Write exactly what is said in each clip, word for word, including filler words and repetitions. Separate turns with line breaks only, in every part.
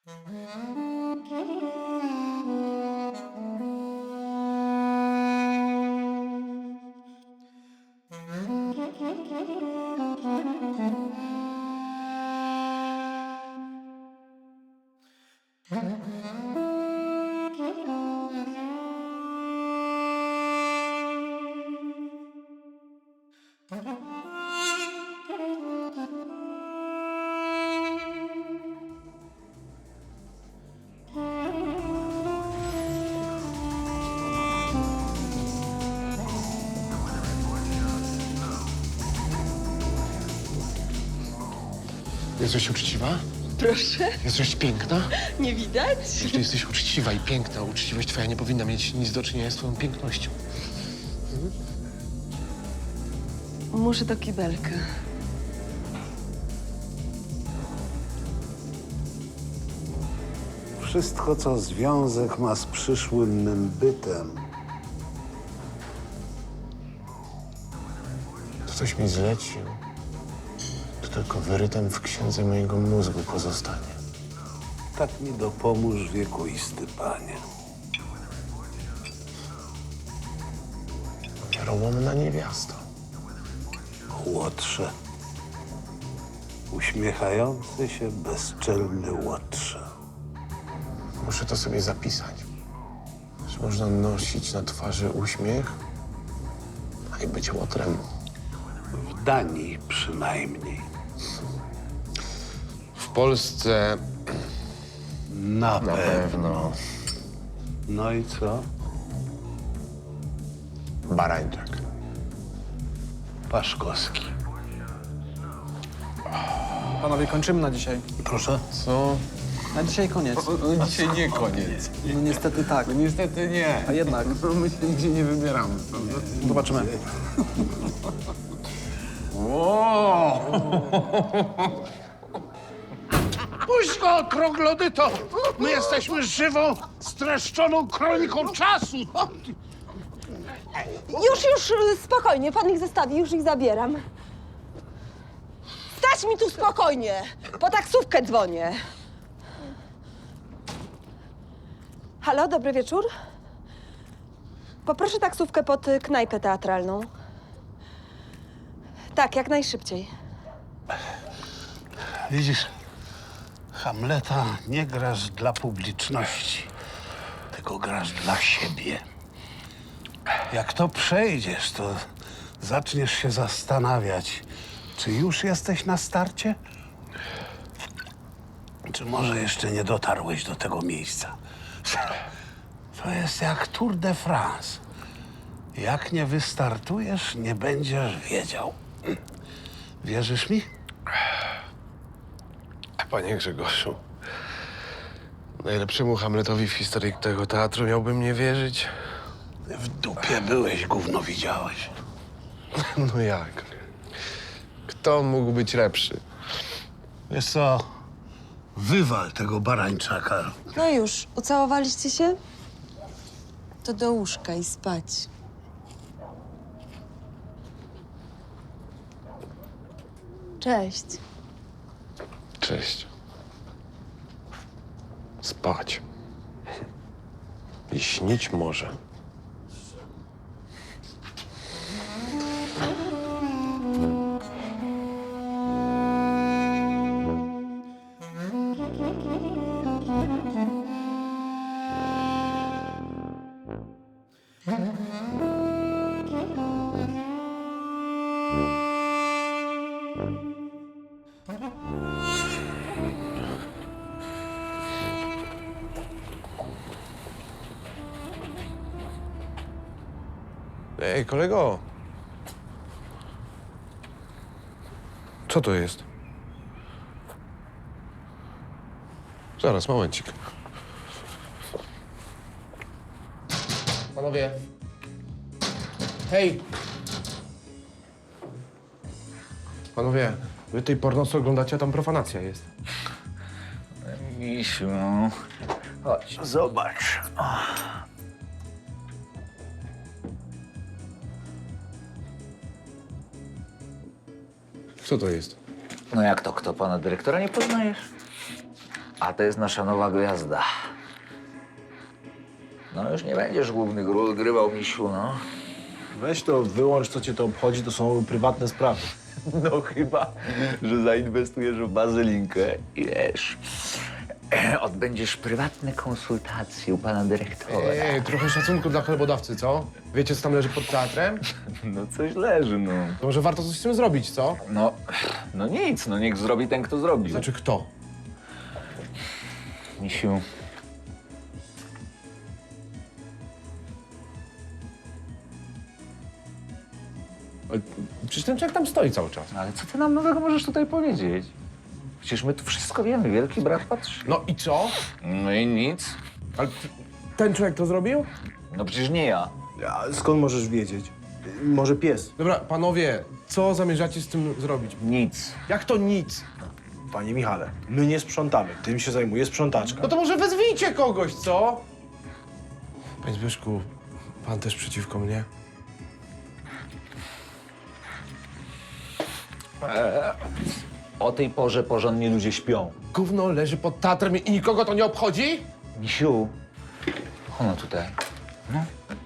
Jesteś uczciwa?
Proszę,
Jesteś piękna?
nie widać?
Jeśli jesteś uczciwa i piękna, uczciwość twoja nie powinna mieć nic do czynienia z twoją pięknością.
Muszę do kibelka.
Wszystko, co związek ma z przyszłym mym bytem,
To coś mi zlecił. To tylko wyrytem w księdze mojego mózgu pozostanie.
tak mi dopomóż wiekuisty panie.
Wiarołomna niewiasta.
Łotrze. Uśmiechający się, bezczelny łotrze.
Muszę to sobie zapisać. Że można nosić na twarzy uśmiech, a i być łotrem.
W Danii przynajmniej.
W Polsce
Na,
na
pewno.
pewno
No i co?
barańczak.
Paszkowski.
Panowie, kończymy na dzisiaj.
Proszę?
Co?
Na dzisiaj koniec.
No dzisiaj nie koniec.
No niestety tak.
No niestety nie.
A jednak.
No my się nigdzie nie wybieramy, prawda?
Zobaczymy.
Wow!
Puść go, troglodyto! My jesteśmy żywą, streszczoną kroniką czasu!
Już, już, spokojnie, pan ich zostawi, już ich zabieram. Stać mi tu spokojnie, po taksówkę dzwonię. Halo, dobry wieczór. Poproszę taksówkę pod y, knajpę teatralną. Tak, jak najszybciej.
Widzisz, Hamleta nie grasz dla publiczności, tylko grasz dla siebie. Jak to przejdziesz, to zaczniesz się zastanawiać, czy już jesteś na starcie? Czy może jeszcze nie dotarłeś do tego miejsca? To jest jak Tour de France. Jak nie wystartujesz, nie będziesz wiedział. Wierzysz mi?
Panie Grzegorzu, najlepszemu Hamletowi w historii tego teatru miałbym nie wierzyć.
W dupie byłeś, gówno widziałeś.
No jak? Kto mógł być lepszy?
Wiesz co, wywal tego barańczaka.
No już, ucałowaliście się? To do łóżka i spać. Cześć.
Cześć. Spać. I śnić może. Ej, kolego. Co to jest? Zaraz, momencik. Panowie. Hej! Panowie, wy tej pornosy oglądacie, a tam profanacja jest.
Misiu, chodź.
Zobacz.
Co to jest?
No jak to, kto pana dyrektora nie poznajesz? A to jest nasza nowa gwiazda. No już nie będziesz głównych ról grywał, misiu, no.
Weź to, wyłącz, co cię to obchodzi, to są prywatne sprawy.
No chyba, że zainwestujesz w bazylinkę i wiesz, odbędziesz prywatne konsultacje u pana dyrektora.
Ej, trochę szacunku dla chlebodawcy, co? Wiecie, co tam leży pod teatrem?
No coś leży, no.
To może warto coś z tym zrobić, co?
No, no nic, no niech zrobi ten, kto zrobił.
Znaczy kto?
Misiu,
Ale przecież ten człowiek tam stoi cały czas.
ale co ty nam nowego możesz tutaj powiedzieć? Przecież my tu wszystko wiemy, wielki brat patrzy.
No i co?
No i nic.
Ale t- ten człowiek to zrobił?
No przecież nie ja.
A skąd możesz wiedzieć? Może pies?
Dobra, panowie, co zamierzacie z tym zrobić?
Nic.
Jak to nic?
Panie Michale, my nie sprzątamy, tym się zajmuje sprzątaczka.
No to może wezwijcie kogoś, co? Panie Zbyszku, pan też przeciwko mnie?
O tej porze porządnie ludzie śpią.
Gówno leży pod teatrem i nikogo to nie obchodzi?
Misiu, ono tutaj. No.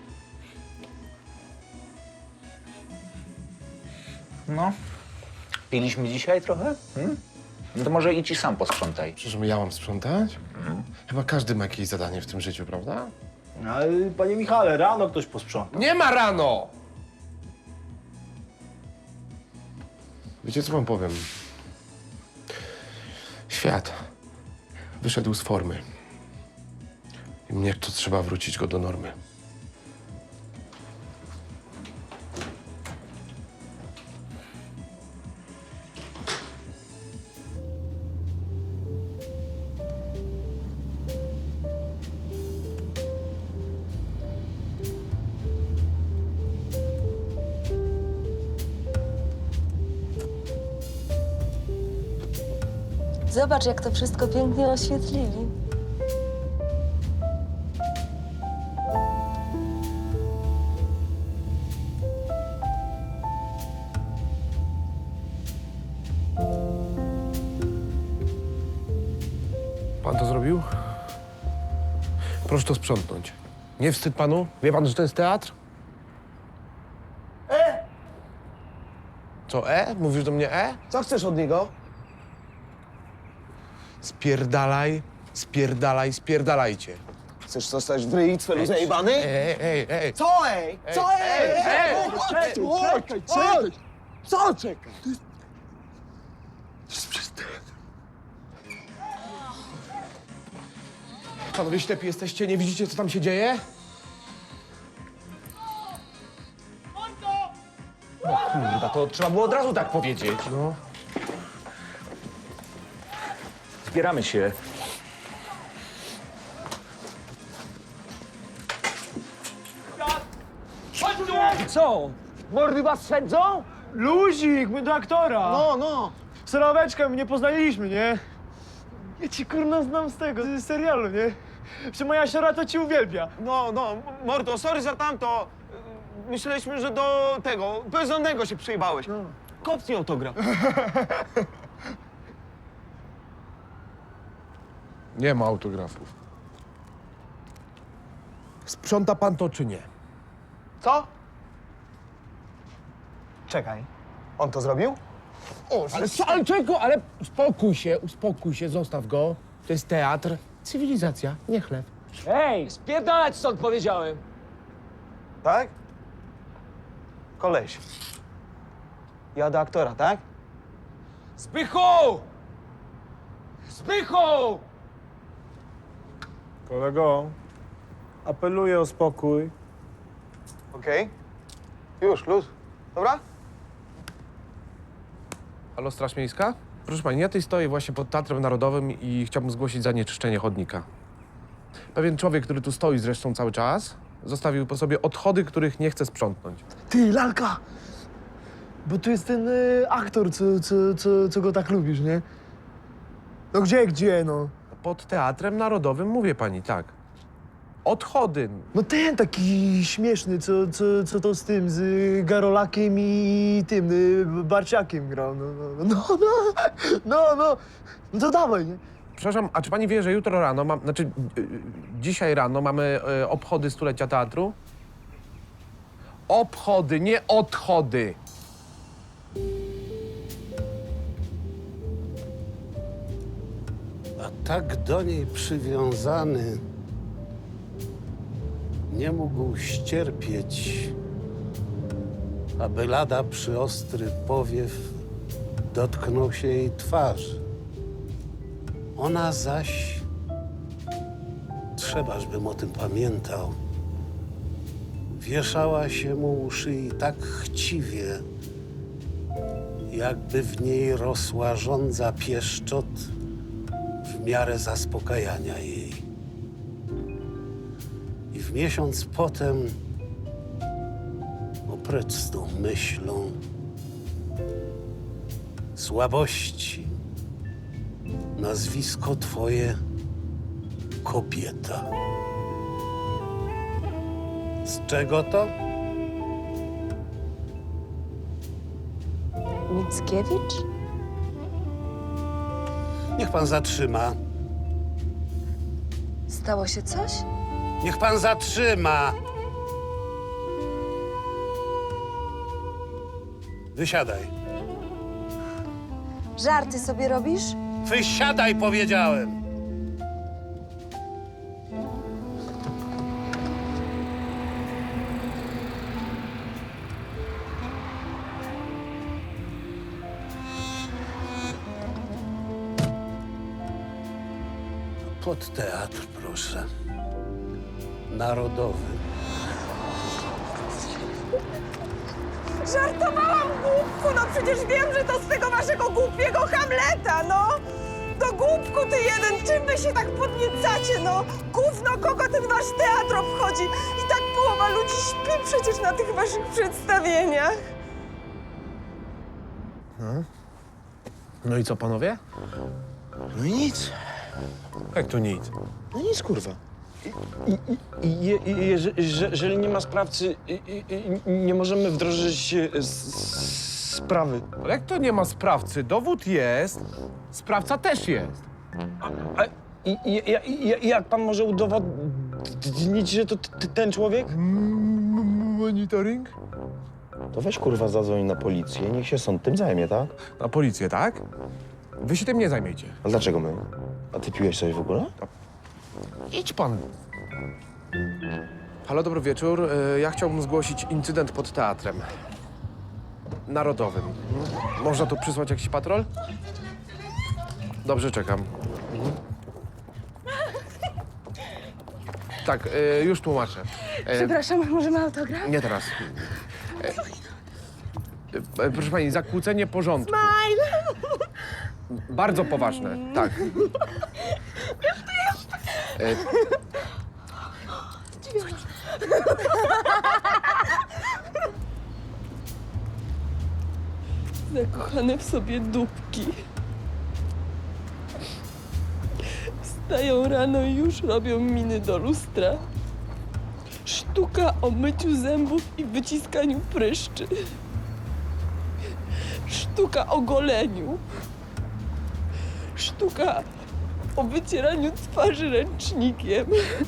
No. Piliśmy dzisiaj trochę? Hmm? No to może idź i sam posprzątaj.
Przecież ja mam sprzątać? Chyba każdy ma jakieś zadanie w tym życiu, prawda?
Ale panie Michale, rano ktoś posprząta.
Nie ma rano! Wiecie, co wam powiem? Świat wyszedł z formy. I mnie to trzeba wrócić go do normy.
Zobacz, jak to wszystko pięknie oświetlili.
Pan to zrobił? Proszę to sprzątnąć. Nie wstyd panu? Wie pan, że to jest teatr? E! Co E? Mówisz do mnie E?
Co chcesz od niego?
Spierdalaj, spierdalaj, spierdalajcie.
Chcesz zostać w ryj, cwelu zajebany?
Ej, ej, ej.
Co ej? Co ej?
ej, ej,
Czekaj, czekaj, czekaj! Co czekaj?
Panowie ślepi jesteście, nie widzicie, co tam się dzieje? No kurwa, to trzeba było od razu tak powiedzieć. No.
Zbieramy się.
Co? Mordy was szedzą? Luzik, my do aktora.
No, no!
Soroweczka, my nie poznaliśmy, nie? Ja ci kurna znam z tego, z serialu, nie? Że moja siora to ci uwielbia.
No, no, mordo, sorry za tamto. Myśleliśmy, że do tego, bezdomnego się przyjebałeś. Kopnij autograf.
Nie ma autografów. Sprząta pan to czy nie?
Co? Czekaj. On to zrobił? O,
Ale co, ale czego? Ale uspokój się, uspokój się, zostaw go. To jest teatr, cywilizacja, nie chleb.
Ej, spierdalać stąd powiedziałem.
tak? Koleś. Ja do aktora, tak?
Zbychu! Zbychu!
Kolego, apeluję o spokój. Okej. Już, luz. Dobra?
Halo, Straż Miejska? Proszę pani, ja tutaj stoję właśnie pod Teatrem Narodowym i chciałbym zgłosić zanieczyszczenie chodnika. Pewien człowiek, który tu stoi zresztą cały czas, zostawił po sobie odchody, których nie chce sprzątnąć.
Ty, lalka! Bo tu jest ten y, aktor, co, co, co, co go tak lubisz, nie? No gdzie, gdzie, no?
Pod Teatrem Narodowym mówię pani, tak. Odchody.
No ten taki śmieszny, co, co, co to z tym, z y, Garolakiem i tym, y, Barciakiem grał, no, no, no, no, no, no, no to dawaj, nie?
przepraszam, a czy pani wie, że jutro rano, mam, znaczy y, y, dzisiaj rano mamy y, obchody stulecia teatru? Obchody, nie odchody.
A tak do niej przywiązany nie mógł ścierpieć, aby lada przyostry powiew dotknął się jej twarzy. Ona zaś, trzebaż bym o tym pamiętał, wieszała się mu u szyi tak chciwie, jakby w niej rosła żądza pieszczot w miarę zaspokajania jej. I w miesiąc potem, oprecz z tą myślą, słabości, nazwisko twoje kobieta. Z czego to?
Mickiewicz?
Niech pan zatrzyma.
Stało się coś?
Niech pan zatrzyma. Wysiadaj.
Żarty sobie robisz?
Wysiadaj, powiedziałem. Pod teatr, proszę. Narodowy.
Żartowałam, głupku, no przecież wiem, że to z tego waszego głupiego Hamleta, no! To głupku ty jeden, czym wy się tak podniecacie, no? Gówno, kogo ten wasz teatr obchodzi? I tak połowa ludzi śpi przecież na tych waszych przedstawieniach.
No i co, panowie?
No i nic.
Jak to nic?
No nic, kurwa.
I, i, i, je, i jeże- że- jeżeli nie ma sprawcy, i, i, i, nie możemy wdrożyć e, s- s- sprawy.
Ale jak to nie ma sprawcy? Dowód jest, sprawca też jest.
A, i, i, i, i, jak pan może udowodnić, że to t, ten człowiek?
Monitoring?
To weź kurwa zadzwoń na policję, niech się sąd tym zajmie, tak?
Na policję, tak? Wy się tym nie zajmiecie.
A dlaczego my? A ty piłeś coś w ogóle?
Idź pan. Halo, dobry wieczór. Y, Ja chciałbym zgłosić incydent pod teatrem narodowym. Mhm. Można tu przysłać jakiś patrol? Dobrze, czekam. Mhm. Tak, y, już tłumaczę. Y,
Przepraszam, możemy autograf?
Nie teraz. Y, y, Proszę pani, zakłócenie porządku. Bardzo poważne, tak. Y,
Zakochane w sobie dupki. Wstają rano i już robią miny do lustra. Sztuka o myciu zębów i wyciskaniu pryszczy. Sztuka o goleniu. Sztuka o wycieraniu twarzy ręcznikiem.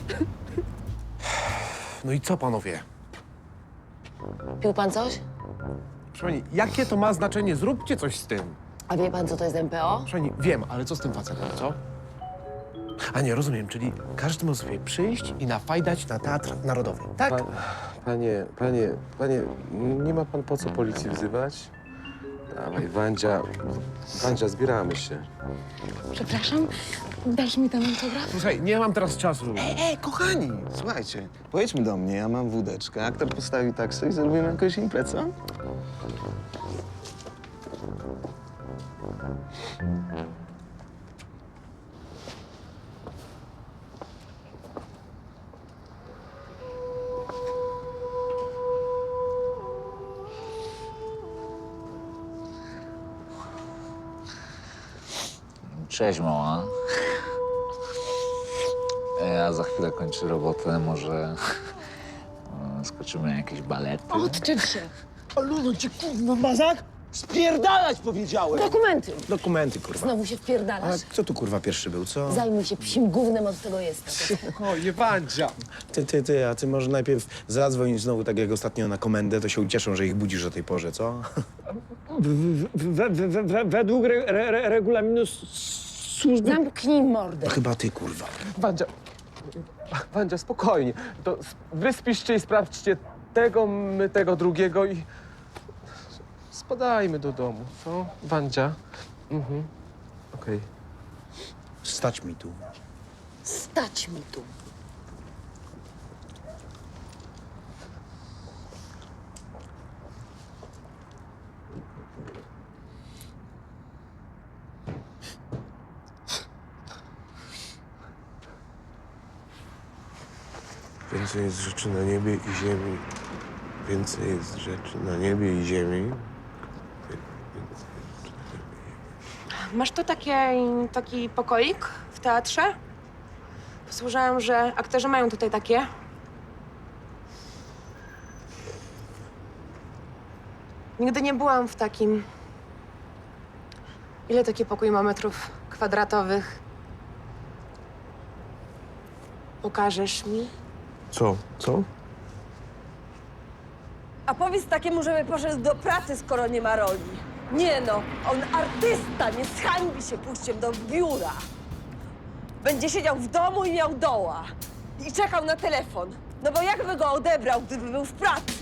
No i co, panowie?
Pił pan coś?
Proszę pani, jakie to ma znaczenie? Zróbcie coś z tym.
A wie pan, co to jest M P O?
Proszę pani, wiem, ale co z tym facetem, co? A nie, rozumiem, czyli każdy może sobie przyjść i nafajdać na Teatr Narodowy, tak?
Pa, panie, panie, panie, nie ma pan po co policji wzywać? Dawaj, Wandzia, Wandzia, zbieramy się.
Przepraszam, dasz mi tam autograf?
Słuchaj, nie mam teraz czasu.
Ej, kochani, słuchajcie, pojedźmy do mnie, ja mam wódeczkę, aktor postawi taksę i zrobimy jakąś imprezę.
Cześć, mała. Ja za chwilę kończę robotę, może e, skoczymy na jakieś balety.
Odczep się.
A luno cię kurwa, mazak?
Spierdalać powiedziałem!
Dokumenty!
Dokumenty, kurwa.
Znowu się
A
wpierdalasz?
kto tu, kurwa, pierwszy był, co?
Zajmuj się psim gównem, od tego jestem.
Spokojnie, Wandzia.
Ty, ty, ty, a ty może najpierw zadzwoń znowu tak jak ostatnio na komendę, to się ucieszą, że ich budzisz o tej porze, co?
We, we, we, we, według re, re, re, regulaminu s- służby...
Zamknij mordę.
To chyba ty, kurwa.
Wandzia, Wandzia, spokojnie. To s- wy spiszcie i sprawdźcie tego, my tego drugiego i... Spadajmy do domu, co? Wandzia? Mhm. Okej.
Stać mi tu.
Stać mi tu.
Więcej jest rzeczy na niebie i ziemi. Więcej jest rzeczy na niebie i ziemi.
Masz tu takie, taki pokoik w teatrze? Słyszałam, że aktorzy mają tutaj takie. Nigdy nie byłam w takim. Ile taki pokój ma metrów kwadratowych? Pokażesz mi?
Co? Co?
A powiedz takiemu, żeby poszedł do pracy, skoro nie ma roli. Nie no, on artysta, nie zhańbi się pójściem do biura. Będzie siedział w domu i miał doła. I czekał na telefon. No bo jakby go odebrał, gdyby był w pracy?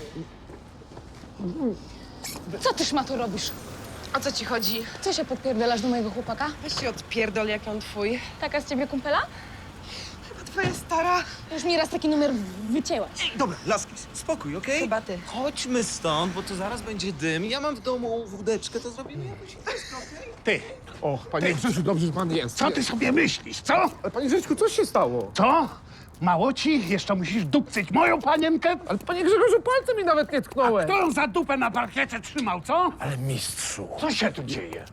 Co ty, szmato, robisz?
O co ci chodzi?
Co się podpierdalasz do mojego chłopaka?
Weź się odpierdol, jak on twój.
Taka z ciebie kumpela?
Chyba twoja stara.
Już mi raz taki numer wycięłaś.
Dobra, laski, spokój, okej?
Chyba ty.
Chodźmy stąd, bo tu zaraz będzie dym. Ja mam w domu wódeczkę, to zrobimy jakoś imprezkę, okej?
Ty,
O, panie Grzesiu, dobrze, że pan jest.
co ty sobie myślisz, co?
Ale panie Grzesiu, co się stało?
Co? Mało ci? Jeszcze musisz dupcyć moją panienkę?
Ale panie Grzegorzu, palcem mi nawet nie tknąłem.
Kto ją za dupę na parkiecie trzymał, co?
Ale mistrzu.
Co się tu dzieje?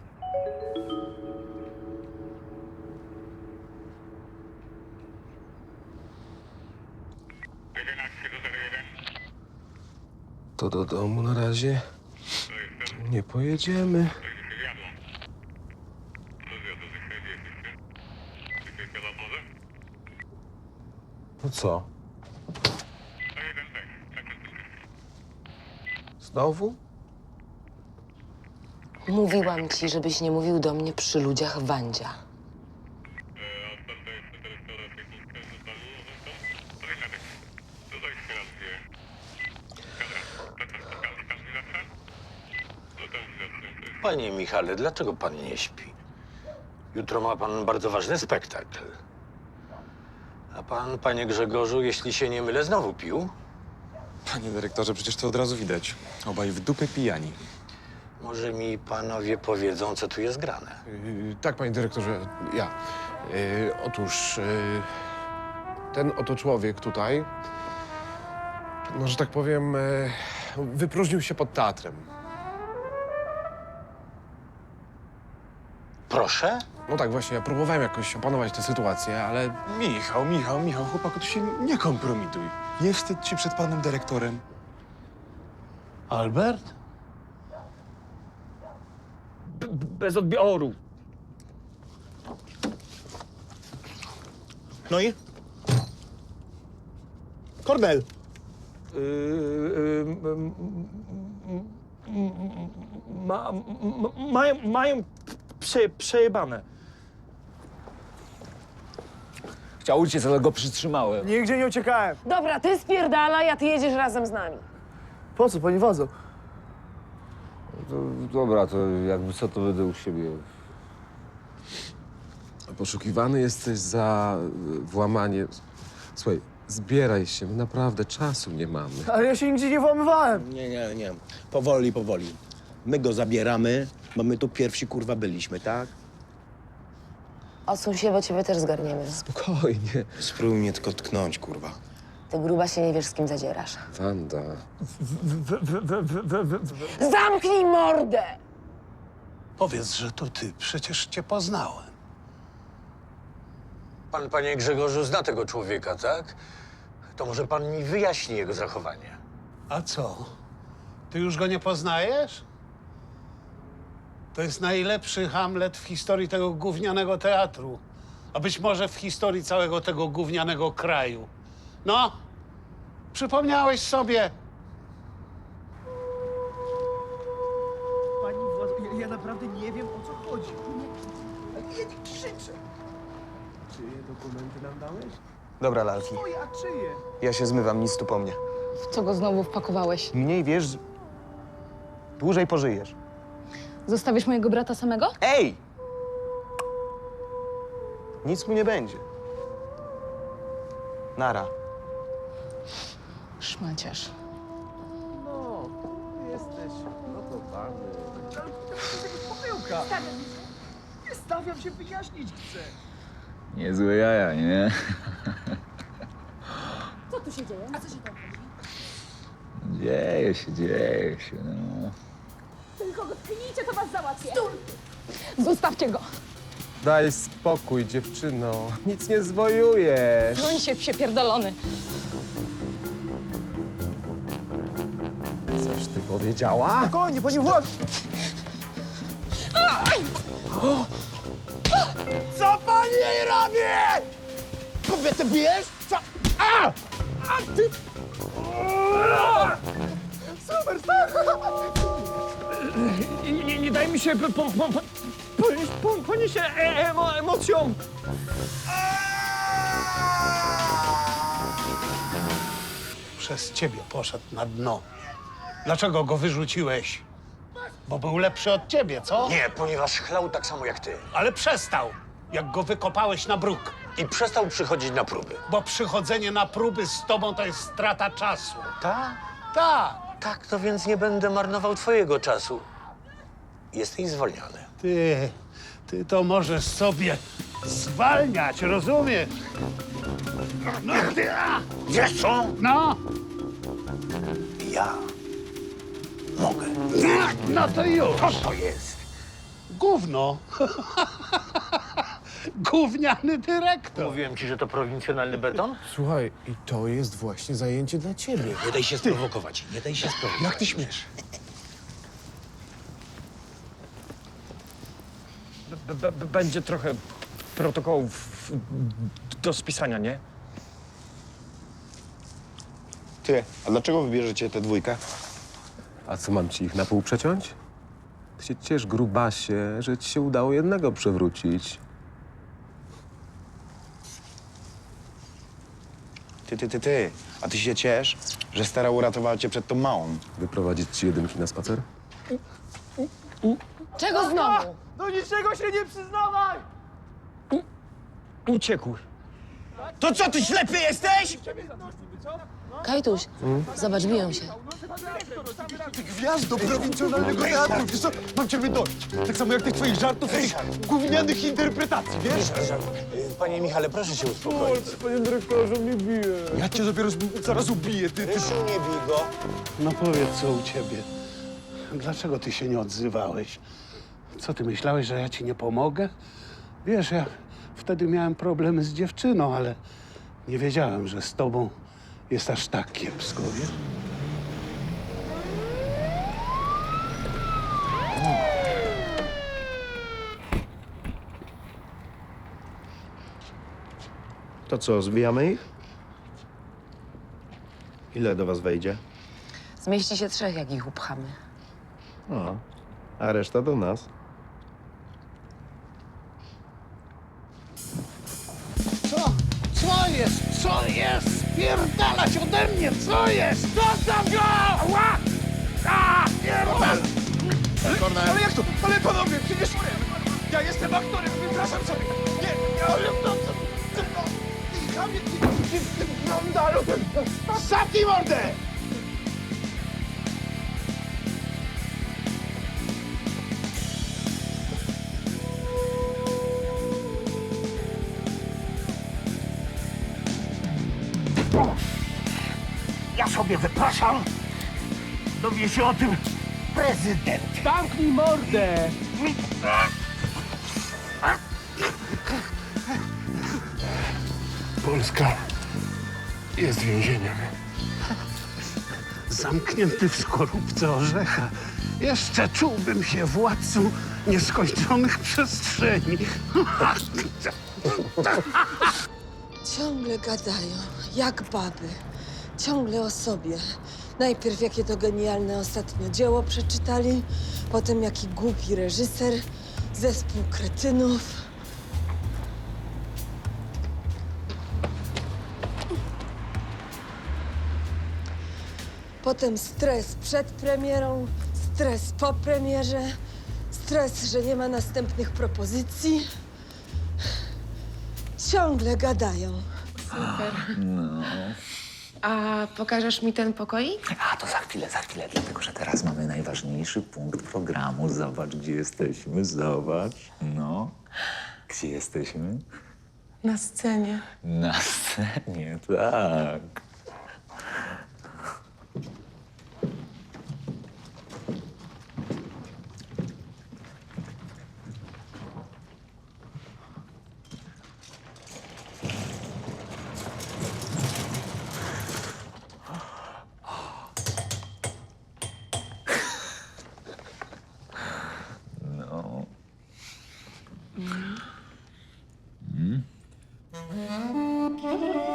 To do domu na razie nie pojedziemy. No co? Znowu?
Mówiłam ci, żebyś nie mówił do mnie przy ludziach Wandzia.
Panie Michale, dlaczego pan nie śpi? Jutro ma pan bardzo ważny spektakl. A pan, panie Grzegorzu, jeśli się nie mylę, znowu pił?
Panie dyrektorze, przecież to od razu widać. Obaj w dupę pijani.
Może mi panowie powiedzą, co tu jest grane?
Yy, tak, panie dyrektorze, ja. Yy, otóż yy, ten oto człowiek tutaj, no, że tak powiem, yy, wypróżnił się pod teatrem.
Proszę?
No tak, właśnie, ja próbowałem jakoś opanować tę sytuację, ale...
Michał, Michał, Michał, chłopaku, tu się nie kompromituj. Nie wstydź się przed panem dyrektorem.
Albert?
Bez odbioru.
No i? Kornel!
Yy, yy, ma, ma, mają, mają prze, przejebane.
Chciał uciec, ale go przytrzymałem.
Nigdzie nie uciekałem.
Dobra, ty spierdalaj, a ty jedziesz razem z nami.
Po co, pani Wadzo?
Dobra, to jakby co, to będę u siebie. Poszukiwany jesteś za y, włamanie. Słuchaj, zbieraj się, my naprawdę czasu nie mamy.
Ale ja się nigdzie nie włamywałem.
Nie, nie, nie. Powoli, powoli. My go zabieramy, bo my tu pierwsi, kurwa, byliśmy, tak?
Odsuń się, bo ciebie też zgarniemy.
Spokojnie.
Spróbuj mnie tylko tknąć, kurwa.
Ty gruba się nie wiesz, z kim zadzierasz.
Wanda.
Zamknij mordę!
Powiedz, że to ty. Przecież cię poznałem.
Pan, panie Grzegorzu, zna tego człowieka, tak? To może pan mi wyjaśni jego zachowanie.
A co? Ty już go nie poznajesz? To jest najlepszy Hamlet w historii tego gównianego teatru. A być może w historii całego tego gównianego kraju. No, przypomniałeś sobie.
Pani władz, ja, ja naprawdę nie wiem, o co chodzi. Ale ja nie krzyczę. Czyje dokumenty nam dałeś?
Dobra, lalki.
Moje, a czyje?
Ja się zmywam, nic tu po mnie.
W co go znowu wpakowałeś?
Mniej wiesz, dłużej pożyjesz.
Zostawisz mojego brata samego?
Ej! Nic mu nie będzie. Nara.
Szmaciarz.
No, ty jesteś gotowany. Ale to jest jakaś pomyłka. Nie stawiam się, wyjaśnić chcę.
Niezłe jaja, nie?
Co tu się dzieje? A co się tam dzieje?
Dzieje się, dzieje się, no.
Tylko go tknijcie, to was załatwię. Stój! Zostawcie go.
Daj spokój, dziewczyno. Nic nie zwojujesz.
Broń się, psie pierdolony.
Coś ty powiedziała?
Spokojnie, pani władz. Co pani jej robi? Kobietę bijesz? Co? A! A ty... Super, stary!
Nie, nie, nie daj mi się po, po, po, po, ponieść, po, ponieść e, emo, emocjom.
Przez ciebie poszedł na dno. Dlaczego go wyrzuciłeś? Bo był lepszy od ciebie, co?
Nie, ponieważ chlał tak samo jak ty.
Ale przestał, jak go wykopałeś na bruk.
I przestał przychodzić na próby.
Bo przychodzenie na próby z tobą to jest strata czasu.
Tak?
Tak.
Tak, to więc nie będę marnował twojego czasu. Jesteś zwolniony.
Ty, ty to możesz sobie zwalniać, rozumiesz? No ty, a!
Wiesz co?
No!
Ja mogę.
No to już.
Co to jest?
Gówno. Gówniany dyrektor.
Mówiłem ci, że to prowincjonalny beton?
Słuchaj, i to jest właśnie zajęcie dla ciebie.
Nie daj się sprowokować. Nie daj się sprowokować.
Jak ty śmiesz?
B, b, b, będzie trochę protokołów do spisania, nie?
Ty, a dlaczego wybierzecie tę dwójkę?
A co, mam ci ich na pół przeciąć? Ty się ciesz, grubasie, że ci się udało jednego przewrócić.
Ty, ty, ty, ty. A ty się ciesz, że stara uratowała cię przed tą małą.
Wyprowadzić ci jedynki na spacer?
Czego znowu?
Do niczego się nie przyznawaj!
Uciekł.
To co, ty ślepy jesteś?
Kajtuś, zobacz, biją się.
Ty gwiazdo prowincjonalnego teatru, wiesz co? Mam ciebie dość. Tak samo jak tych twoich żartów, tych gównianych interpretacji, wiesz?
Panie Michale, proszę się uspokoić.
Panie dyrektorze, mnie bije. Ja cię dopiero zaraz ubiję, ty, ty.
Rysiu, nie bij go.
No powiedz, co u ciebie. Dlaczego ty się nie odzywałeś? Co, ty myślałeś, że ja ci nie pomogę? Wiesz, ja wtedy miałem problemy z dziewczyną, ale nie wiedziałem, że z tobą jest aż tak kiepsko, wiesz?
To co, zbijamy ich? Ile do was wejdzie?
Zmieści się trzech, jak ich upchamy.
O, a reszta do nas.
Co? Co jest? Co jest? Spierdalać ode mnie! Co jest? Zostaw go! Ła! A! Pierdal!
Ale, ale jak to? Ale panowie, przecież ja jestem aktorem, wypraszam sobie. Nie, nie, ale to... to, to, to ty chamie, ty, ty, ty, blondalu, ty...
Zamknij mordę!
Ja sobie wypraszam. Dowie się o tym prezydent.
Zamknij mordę!
Polska jest więzieniem.
zamknięty w skorupce orzecha, jeszcze czułbym się władcą nieskończonych przestrzeni.
Ciągle gadają, jak baby. Ciągle o sobie. Najpierw jakie to genialne ostatnio dzieło przeczytali, potem jaki głupi reżyser, zespół kretynów. Potem stres przed premierą, stres po premierze, stres, że nie ma następnych propozycji. Ciągle gadają.
Super.
No.
A pokażesz mi ten pokoik?
A to za chwilę, za chwilę, dlatego że teraz mamy najważniejszy punkt programu. Zobacz, gdzie jesteśmy, zobacz. No. Gdzie jesteśmy?
Na scenie.
Na scenie, tak. No. Mm.